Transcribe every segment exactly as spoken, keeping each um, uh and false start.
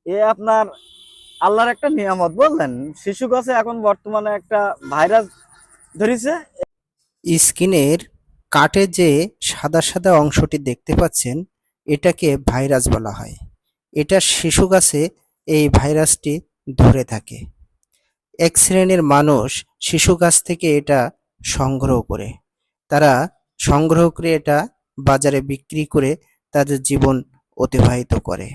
এ আপনার আল্লাহর একটা নিয়ামত বললেন। শিশু গাছে এখন বর্তমানে একটা ভাইরাস ধরেছে। স্কিনের কাটে যে সাদা সাদা অংশটি দেখতে পাচ্ছেন, এটাকে ভাইরাস বলা হয়। এটা শিশু গাছে এই ভাইরাসটি ধরে থাকে। এক শ্রেণীর মানুষ শিশু গাছ থেকে এটা সংগ্রহ করে, তারা সংগ্রহ করে এটা বাজারে বিক্রি করে তাদের জীবন অতিবাহিত করে।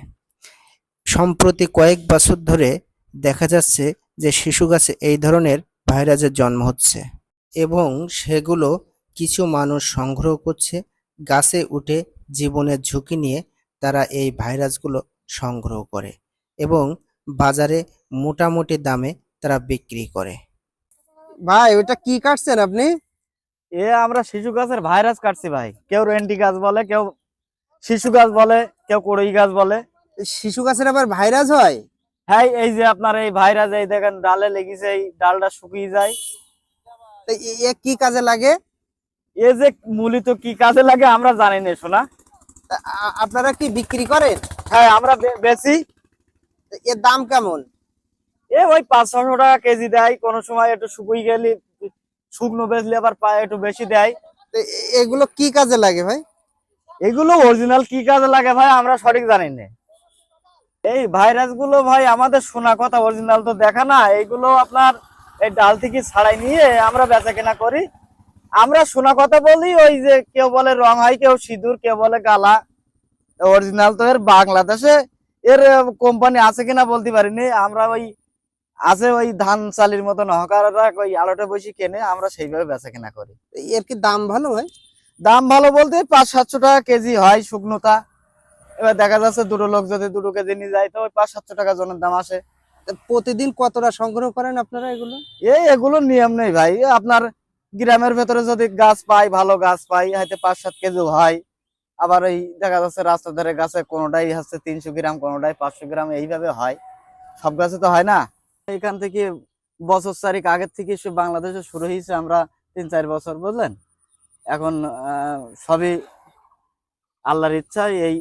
সম্প্রতি কয়েক বছর ধরে দেখা যাচ্ছে যে শিশু গাছে এই ধরনের ভাইরাসের জন্ম হচ্ছে এবং সেগুলো কিছু মানুষ সংগ্রহ করছে, গাছে উঠে জীবনের ঝুঁকি নিয়ে তারা এই ভাইরাসগুলো সংগ্রহ করে এবং বাজারে মোটামুটি দামে তারা বিক্রি করে। ভাই ওটা কি কাটছেন আপনি? এ আমরা শিশু গাছের ভাইরাস কাটছি ভাই। কেউ রেন্টি গাছ বলে, কেউ শিশু গাছ বলে, কেউ কড়ই গাছ বলে। শিশু গাছের আবার ভাইরাস হয়? হ্যাঁ, এই যে আপনার এই ভাইরাস, এই দেখেন ডালে লেগেছে, এই ডালটা শুকিয়ে যায়। তো এ এ কি কাজে লাগে? এ যে মূলত কি কাজে লাগে আমরা জানি না শোনা। তা আ- আপনারা কি বিক্রি করেন? হ্যাঁ, আমরা বে- বেচি। তো এর দাম কেমন? এ ওই পাঁচ ছশো টাকা কেজি দেয়, কোনো সময় একটু শুকিয়ে গেলে শুকনো বেচলে আবার পায়ে একটু বেশি দেয়। তো এ- এগুলো কি কাজে লাগে ভাই? এগুলো অরিজিনাল কি কাজে লাগে ভাই আমরা সঠিক জানি না। এই ভাইরাস গুলো ভাই আমাদের শোনা কথা, অরিজিনাল তো দেখা না। এইগুলো আপনার এই ডাল থেকে ছাড়াই নিয়ে আমরা বেচা কেনা করি। আমরা শোনা কথা বলি, ওই যে কেউ বলে রং হয়, কেউ সিঁদুর, কেউ বলে গালা। অরিজিনাল তো এর বাংলাদেশে এর কোম্পানি আছে কিনা বলতে পারিনি আমরা। ওই আছে ওই ধান চালির মতন হকাররা ওই আলোটা বসে কেনে, আমরা সেইভাবে বেচা কেনা করি। তো এর কি দাম ভালো ভাই? দাম ভালো বলতে পাঁচ সাতশো টাকা কেজি হয় শুকনোতা। এবার দেখা যাচ্ছে দুটো লোক যদি দুটো কেজি নিয়ে যায় তো ওই পাঁচ সাতশো টাকা জনের দাম আসে। তা প্রতিদিন কতটা সংগ্রহ করেন আপনারা এগুলো? এই এগুলোর নিয়ম নেই ভাই। এ আপনার গ্রামের ভেতরে যদি গাছ পাই, ভালো গাছ পাই, হয়তো পাঁচ সাত কেজি হয়। আবার এই দেখা যাচ্ছে রাস্তার ধারে গাছে কোনোটাই হচ্ছে তিনশো গ্রাম, কোনোটাই পাঁচশো গ্রাম, এইভাবে হয়। সব গাছে তো হয় না। এখান থেকে বছর চারিক আগের থেকে সব বাংলাদেশে শুরু হয়েছে, আমরা তিন চার বছর বুঝলেন। এখন আহ, সবই আল্লাহর ইচ্ছায় এই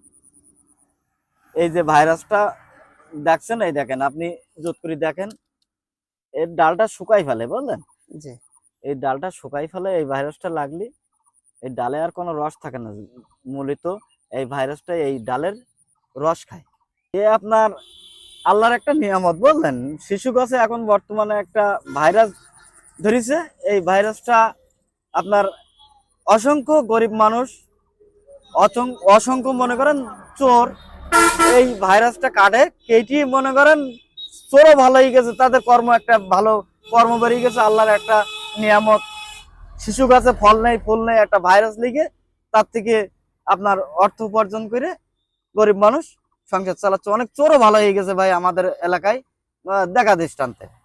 এই যে ভাইরাসটা দেখছেন, এই দেখেন আপনি জোট করে দেখেন, এর ডালটা শুকাই ফেলে বুঝলেন। জি। এই ডালটা শুকাই ফেলে এই ভাইরাসটা লাগলে এই ডালে আর কোনো রস থাকে না। মূলত এই ভাইরাসটা এই ডালের রস খায়। এ আপনার আল্লাহর একটা নিয়ামত বললেন। শিশু গাছে এখন বর্তমানে একটা ভাইরাস ধরেছে। এই ভাইরাসটা আপনার অসংখ্য গরিব মানুষ, অসং- অসংখ্য মনে করেন চোর, এই ভাইরাসটা কাটে কেটি মনে করেন চোরও ভালো হয়ে গেছে, তাদের কর্ম একটা ভালো কর্ম বেরিয়ে গেছে। আল্লাহর একটা নিয়ামত। শিশু গাছে ফল নেই, ফুল নেই, একটা ভাইরাস লিগে তার থেকে আপনার অর্থ উপার্জন করে গরিব মানুষ সংসার চালাচ্ছে। অনেক চোরও ভালো হয়ে গেছে ভাই আমাদের এলাকায়, আহ, দেখা দৃষ্টান্তে।